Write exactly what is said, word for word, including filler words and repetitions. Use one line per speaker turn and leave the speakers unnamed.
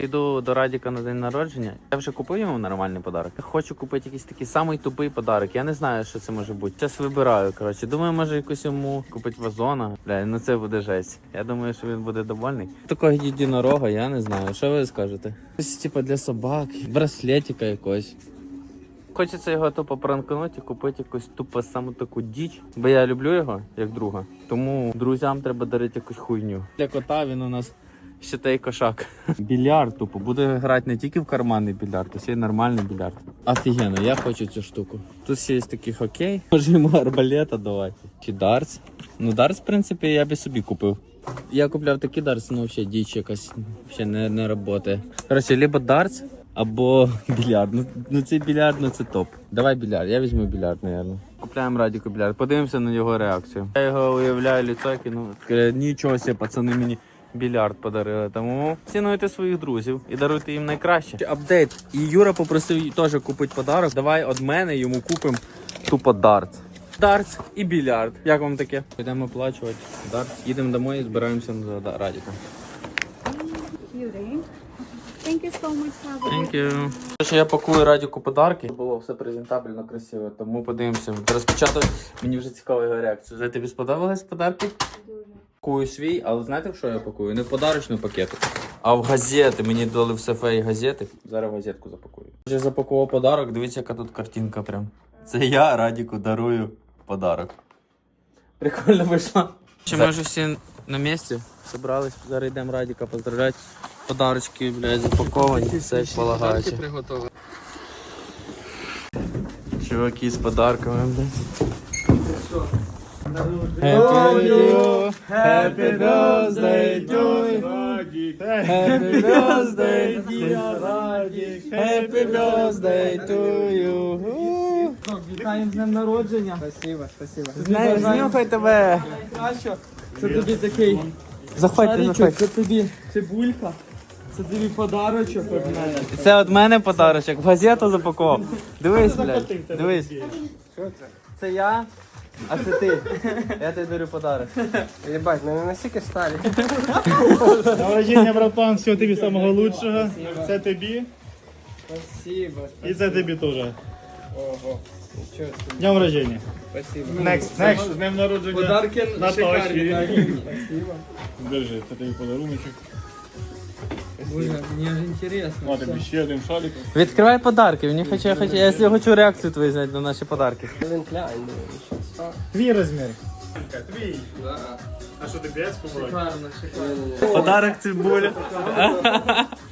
Йду до Радіка на день народження. Я вже купив йому нормальний подарок. Я хочу купити якийсь такий самий тупий подарок. Я не знаю, що це може бути. Зараз вибираю, коротше. Думаю, може якусь йому купити вазона. Бля, ну це буде жесть. Я думаю, що він буде довольний. Такого єдинорога, я не знаю. Що ви скажете? Щось типу для собак, браслетика якось. Хочеться його тупо пранкнути і купити якусь тупо саму таку діч. Бо я люблю його, як друга. Тому друзям треба дарити якусь хуйню. Для кота він у нас ще той кошак. Більярд тупо. Буде грати не тільки в карманний більярд, а ще й нормальний більярд. Офігенно, я хочу цю штуку. Тут ще є такий хокей. Може йому арбалета давати. Чи дартс. Ну дартс, в принципі, я би собі купив. Я купляв такий дартс, ну взагалі діч якась. Взагалі не, не працює. Коротше, либо дартс, або більярд. Ну, ну цей більярд, ну це топ. Давай більярд, я візьму більярд, мабуть. Купляємо Радіку більярд, подивимося на його реакцію. Я його уявляю лицо, ну, нічого себе, пацани мені більярд подарили. Тому цінуйте своїх друзів і даруйте їм найкраще. Апдейт. І Юра попросив теж купити подарок. Давай від мене йому купимо тупо дартс. Дартс і більярд. Як вам таке? Підемо оплачувати дартс. Їдемо домой і збираємося за Радіком.
Thank you so much, Saba.
Thank you. Що я пакую Радіку подарки. Було все презентабельно, красиво, тому подивимося. Розпочати мені вже цікава його реакція. За тобі сподобались подарки?
Дуже.
Пакую свій, але знаєте, в що я пакую? Не в подарочну пакету, а в газети. Мені дали в сефеї газети. Зараз в газетку запакую. Я запакував подарок, дивіться, яка тут картинка прям. Це я Радіку дарую подарок. Прикольно вийшло. Чи ми вже всі на місці? Собрались, зараз йдемо Радіка поздравляти. Подарочки, блядь, запаковані, все як полагається. Чуваки з подарками, блядь. Happy you, happy birthday to you, happy birthday dear Радік, happy birthday to you.
Вітаємо з днем народження. Спасибо, спасибо.
Знюхай тебе.
Найкраще. Це тобі такий
Заходьте,
шаричок,
заходьте.
це тобі цибулька, це тобі подарочок від мене.
Це від мене подарочок, в газету запакував. Дивись, блядь, дивись.
Що це?
Це я, а це ти. Я тобі дарю подарок.
Єбать, ми не настільки старі.
Народження, братан, всього тобі самого лучшого. Це тобі
Спасибо,
і це тобі теж.
Ого. Нічого собі.
Днем рождения.
Спасибо.
Next, next. З днем народження.
Подарки
Наташі.
шикарні. Спасибо.
Держи, це тобі подаруночок.
Боже, мені ж інтересно.
На тобі ще один шарик.
Відкривай подарки, мені хочу, я хочу, я хочу реакцію твою знати на наші подарки.
Він клянь,
Твій розмір. Твій.
Да.
А що ти п'ять побрати?
Шикарно, шикарно.
Подарок цибуля.